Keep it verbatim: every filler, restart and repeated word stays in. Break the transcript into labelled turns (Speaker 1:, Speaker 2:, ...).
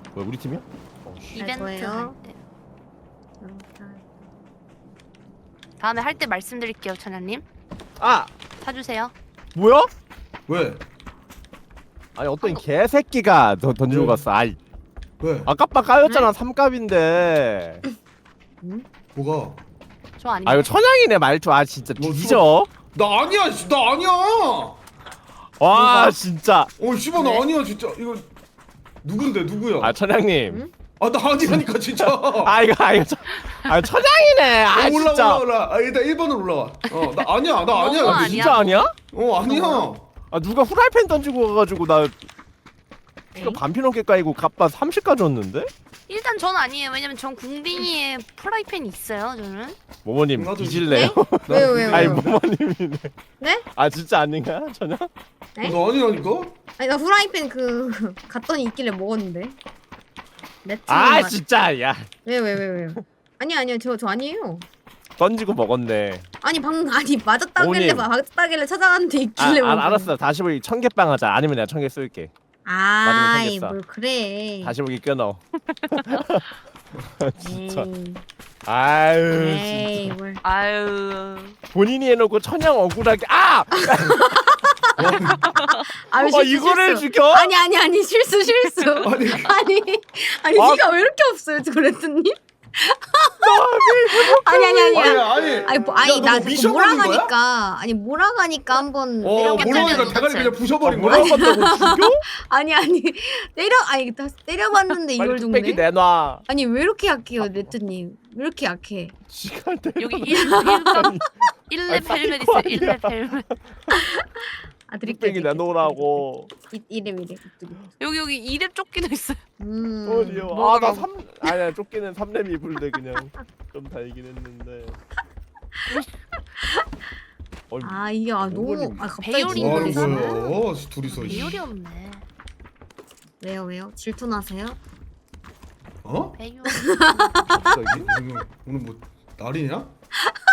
Speaker 1: 뭐야 우리 팀이야? 어, 씨.
Speaker 2: 이벤트 할
Speaker 3: 저예요?
Speaker 2: 때. 다음에 할 때 말씀드릴게요, 천연님.
Speaker 1: 아
Speaker 2: 사주세요.
Speaker 1: 뭐야?
Speaker 4: 왜?
Speaker 1: 아니 어떤 개새끼가 더 던지고
Speaker 4: 왜?
Speaker 1: 갔어. 아이
Speaker 4: 왜?
Speaker 1: 아깝다 까였잖아 삼갑인데.
Speaker 4: 뭐가?
Speaker 2: 저 아니에요.
Speaker 1: 아 이거 천양이네 말투. 아 진짜
Speaker 4: 뭐,
Speaker 1: 뒤져.
Speaker 4: 나 아니야, 씨, 나 아니야.
Speaker 1: 와
Speaker 2: 뭐가?
Speaker 1: 진짜.
Speaker 4: 어, 씨발 나
Speaker 2: 네?
Speaker 4: 아니야, 진짜. 이거 누군데, 누구야?
Speaker 1: 아 천양님.
Speaker 3: 응?
Speaker 4: 아, 나 아니라니까 진짜.
Speaker 1: 아 이거 아 이거 천- 아 천양이네. 아
Speaker 4: 어, 올라
Speaker 1: 진짜.
Speaker 4: 올라 올라. 아, 일단 일 번으로 올라와. 어, 나 아니야, 나 아니야.
Speaker 2: 너무
Speaker 1: 아,
Speaker 2: 아니야.
Speaker 1: 진짜 아니야?
Speaker 4: 어, 아니야.
Speaker 1: 아 누가 후라이팬 던지고 가가지고 나 피가
Speaker 2: 에이?
Speaker 1: 반피 넘게 까이고 갑바 삼십까지 줬는데?
Speaker 2: 일단 전 아니에요. 왜냐면 전 궁딩이에 프라이팬이 있어요. 저는.
Speaker 1: 모모님
Speaker 4: 나도-
Speaker 1: 뒤질래요?
Speaker 3: 왜요 왜요
Speaker 1: 아니
Speaker 3: 왜요?
Speaker 1: 모모님이네.
Speaker 3: 네?
Speaker 1: 아 진짜 아닌가 전혀?
Speaker 3: 네?
Speaker 4: 너 아니라니까?
Speaker 3: 아니 나 후라이팬 그 갔더니 있길래 먹었는데. 매트.
Speaker 1: 아 진짜 야
Speaker 3: 왜왜 왜 왜요? 아니 아니요 저 저 아니에요.
Speaker 1: 던지고 먹었네.
Speaker 3: 아니 방금 아니 맞았다길래
Speaker 1: 어머님.
Speaker 3: 맞았다길래 찾아갔는데
Speaker 1: 아,
Speaker 3: 있길래
Speaker 1: 아
Speaker 3: 먹은
Speaker 1: 알았어. 다시 보기 천개빵 하자. 아니면 내가 천 개 쏠게.
Speaker 3: 아이
Speaker 1: 맞으면
Speaker 3: 뭘 그래.
Speaker 1: 다시 보기 끊어. 진짜.
Speaker 3: 에이,
Speaker 1: 아유
Speaker 3: 에이
Speaker 1: 진짜.
Speaker 3: 뭘.
Speaker 2: 아유.
Speaker 1: 본인이 해놓고 천양 억울하게 아!
Speaker 3: 아,
Speaker 1: 어
Speaker 3: 실수,
Speaker 1: 이거를
Speaker 3: 실수.
Speaker 1: 죽여?
Speaker 3: 아니 아니 아니 실수 실수.
Speaker 4: 아니,
Speaker 3: 아니 아니
Speaker 1: 아.
Speaker 3: 니가 왜 이렇게 없어요 조레트님? 아니 아니 아니
Speaker 4: 아니,
Speaker 3: 아니
Speaker 4: 아니.
Speaker 3: 아니 뭐, 아니
Speaker 4: 야, 너
Speaker 3: 나
Speaker 4: 뭐
Speaker 3: 자꾸
Speaker 4: 미션 걸린 거야?
Speaker 3: 몰아가니까 아니 몰아가니까 한번
Speaker 4: 어,
Speaker 3: 때려봤-
Speaker 4: 몰라니까
Speaker 2: 때려봤-
Speaker 4: 대가리 그냥 부셔버린
Speaker 1: 아,
Speaker 4: 거야?
Speaker 1: 몰아봤다고 죽여?
Speaker 3: 아니 아니 때려 아니 다 때려봤는데 이걸
Speaker 1: 빨리 뚝배기
Speaker 3: 죽네.
Speaker 1: 내놔.
Speaker 3: 아니 왜 이렇게 약해요 레트님? 왜 이렇게 약해?
Speaker 1: 시간 때려.
Speaker 2: 여기 일 점 일 렙
Speaker 1: 아니,
Speaker 2: 헬멧
Speaker 1: 사이코
Speaker 2: 있어요. 일 렙 헬멧.
Speaker 3: 아 드릴게요.
Speaker 1: 뚝배기 내놓으라고.
Speaker 3: 이 이름 이름.
Speaker 2: 여기 여기 이 렙 조끼도 있어요.
Speaker 3: 음.
Speaker 1: 어디요?
Speaker 2: 뭐가
Speaker 1: 아나
Speaker 2: 막-
Speaker 1: 삼 아니야 쫓기는 삼 렘 입을래 그냥 좀 달긴 했는데. 어,
Speaker 3: 아 이게 아 너무
Speaker 1: 어머님.
Speaker 3: 아 갑자기
Speaker 2: 배율이
Speaker 4: 와,
Speaker 2: 있는
Speaker 4: 이거
Speaker 3: 질투나세요?
Speaker 2: 거야.
Speaker 4: 뭐야? 둘이서. 씨.
Speaker 2: 배율이 없네.
Speaker 3: 왜요 왜요? 질투나세요?
Speaker 4: 어?
Speaker 2: 배율.
Speaker 1: 갑자기?
Speaker 4: 오늘, 오늘 뭐 날이냐?